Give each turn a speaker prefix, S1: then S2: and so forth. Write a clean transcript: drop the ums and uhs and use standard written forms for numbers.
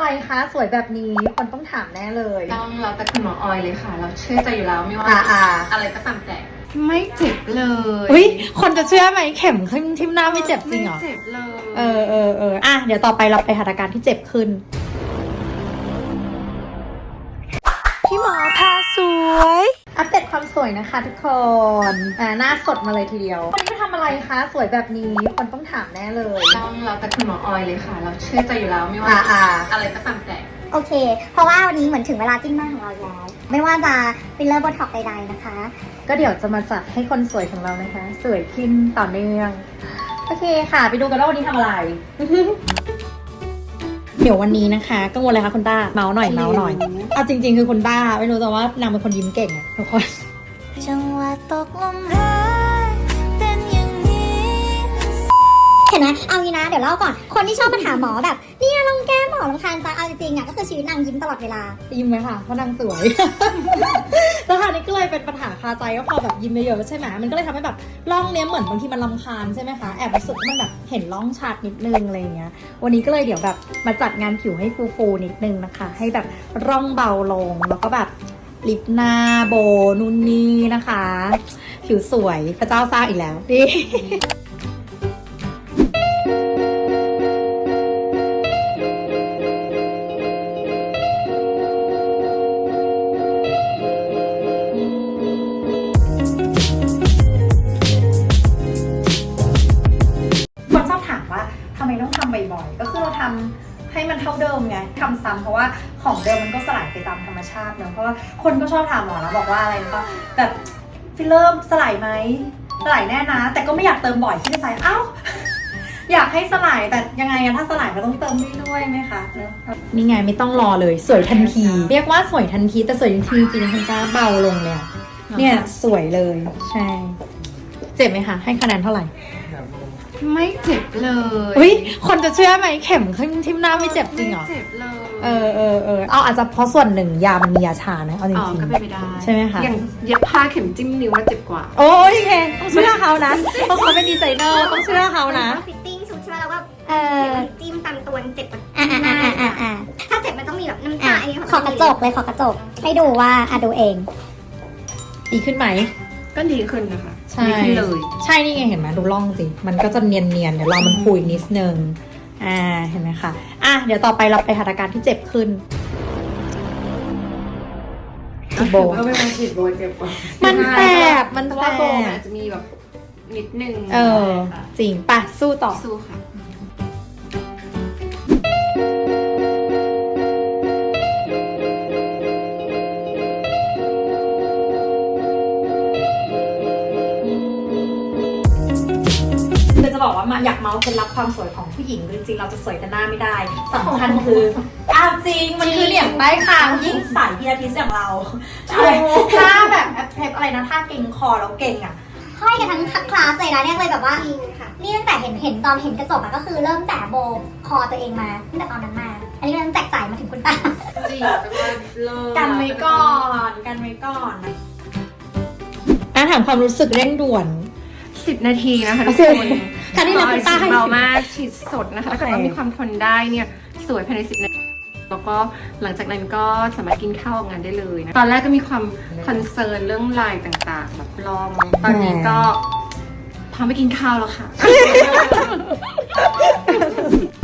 S1: อะไรคะสวยแบบนี้คนต้องถามแน่เลย
S2: ต้องเราแต่คุณหมอออยเลยค่ะ เราเชื่อใจอยู่แล้วไม่ว่าอะไรก็ตามแต่ไม่เจ็บเลย
S1: อุ้ยคนจะเชื่อไหมเข็มขึ้นทิ่มหน้าไม่เจ็บจริงเหรอ
S2: ไม่เจ็บเลย
S1: อ่ะเดี๋ยวต่อไปเราไปหัตถการที่เจ็บขึ้นพี่หมอพาสวยอัปเดตความสวยนะคะทุกคนหน้าสดมาเลยทีเดียววันนี้มาทำอะไรคะสวยแบบนี้คนต้องถามแน่เลย
S2: ต้องเราแต่คุณหมอออยเลยค่ะ เราเชื่อใจอยู่แล้วไม่ว่าอะไรก็ตามแต่
S3: โอเคเพราะว่าวันนี้เหมือนถึงเวลาจิ้มหน้าของเราแล้วไม่ว่าจะฟิลเลอร์โบท็อกซ์ใดๆนะคะ
S1: ก็เดี๋ยวจะมาจัดให้คนสวยของเรานะคะสวยขึ้นต่อเนื่องโอเคค่ะไปดูกันว่าวันนี้ทำอะไร เดี๋ยววันนี้นะคะกังวลอะไรคะคุณต้าเมาส์หน่อยเอาจริงๆคือคุณต้าไม่รู้แต่ว่านางเป็นคนยิ้มเก่งอะทุกคน
S3: จังหวะตกลมหายเป็นอย่างนี้เห็นไหมเอางี้นะเดี๋ยวเล่าก่อนคนที่ชอบมาถามหมอแบบเนี่ยลองแก้หมอลำคาญจังเอาจริงๆอะก็คือชีวิตนางยิ้มตลอดเวลา
S1: ยิ้มไหมค่ะเพราะนางสวย แล้วค่ะนี่ก็เลยเป็นปัญหาคาใจก็พอแบบยิ้มเยอะๆใช่ไหมมันก็เลยทำให้แบบร่องเนี้ยเหมือนบางทีมันรำคาญใช่ไหมคะแอบรู้สึกว่ามันแบบเห็นร่องชัดนิดนึงอะไรเงี้ยวันนี้ก็เลยเดี๋ยวแบบมาจัดงานผิวให้ฟูๆนิดนึงนะคะให้แบบร่องเบาลงแล้วก็แบบลิปหน้าโบนู่นนี่นะคะผิวสวยพระเจ้าสร้างอีกแล้วดิทำไมต้องทำบ่อยๆก็คือเราทำให้มันเท่าเดิมไงทำซ้ำเพราะว่าของเดิมมันก็สลายไปตามธรรมชาติเนอะเพราะว่าคนก็ชอบถามหมอแล้วบอกว่าอะไรก็แบบฟิลเลอร์สลายไหมสลายแน่นะแต่ก็ไม่อยากเติมบ่อยที่จะใส่เอ้า อยากให้สลายแต่ยังไงอะถ้าสลายก็ต้องเติมด้วยไหมคะนี่ไงไม่ต้องรอเลยสวยทันทีเรียกว่าสวยทันทีแต่สวยทันทีจริงๆคุณจ้าเบาลงเลยเนี่ยสวยเลยใช่เจ็บไหมคะให้คะแนนเท่าไหร่
S2: ไม่เจ็บเลย
S1: อุ้ยคนจะเชื่อไหมเข็มขึ้นทิ่มหน้าไม่เจ็บจริงเหรอ
S2: ไม่เจ็บเลย
S1: เอาอาจจะเพราะส่วนหนึ่งยามันมียาชานะเอาจริงๆ
S2: ก็เป็นไปได้
S1: ใช่ไหมคะ
S2: อย่างเย็บผ้าเข็มจิ้มนิ้วว่าเจ็บกว่า
S1: โอ้ยโอเคต้องเชื่อเขานะเพราะเขาเป็นดีไซเนอร์ต้องเชื่อเขานะ
S3: ฟิตติ้งชุดใช่ไหมแล้วก็จิ้มตามตัวเจ็บถ้าเจ็บมันต้องมีแบบน้ำตาขอกระจกเลยขอกระจกให้ดูว่าดูเอง
S1: ดีขึ้นไหม
S2: ก็ดีขึ้นนะคะ
S1: ใช่
S2: เลย
S1: ใช่นี่ไงเห็นไหมดูร่องสิมันก็จะเนียนๆเดี๋ยวเรามันคุยนิดนึงเห็นไหมคะเดี๋ยวต่อไปเราไปหัตถการที่เจ็บขึ้น
S2: โบก็ไม่มาฉีดโบเจ็บกว่า
S1: มันแสบมันแสบ
S2: โบอาจจะมีแบบนิดนึง
S1: จริงป่ะสู้ต่อ
S2: สู้ค่ะ
S1: จะบอกว่าอยากเมาส์เคล็ดลับความสวยของผู้หญิงจริงๆเราจะสวยแต่หน้าไม่ได้สำคัญคือจริงมันคือเหลี่ยมใต้คางยิ่งใส่พีอาทิสอย่างเราใช่ถ้าแบบเทปอะไรนะถ้าเก่งคอแล้วเก่ง
S3: ห้อยกันทั้งคลาสเลยนะเนี่ยเลยแบบว่านี่ตั้งแต่เห็นตอนเห็นกระจกก็คือเริ่มแต่โบคอตัวเองมาตั้งแต่ตอนนั้นมาอันนี้มันแจกจ่ายมาถึงคุณตา
S2: จริงแต่ว่า
S1: กันไว้ก่อนถามความรู้สึกเร่งด่วน
S2: 10 นาทีนะคะทุกคน
S1: ค่ะนี่นะคุณป้าให้
S2: เบามากฉีดสดนะคะถ้าเกิดว่ามีความทนได้เนี่ยสวยภายใน10 นาทีแล้วก็หลังจากนั้นก็สามารถกินข้าวออกงานได้เลยนะตอนแรกก็มีความคอนเซิร์นเรื่องลายต่างๆแบบลองตอนนี้ก็พร้อมไปกินข้าวแล้วค่ะ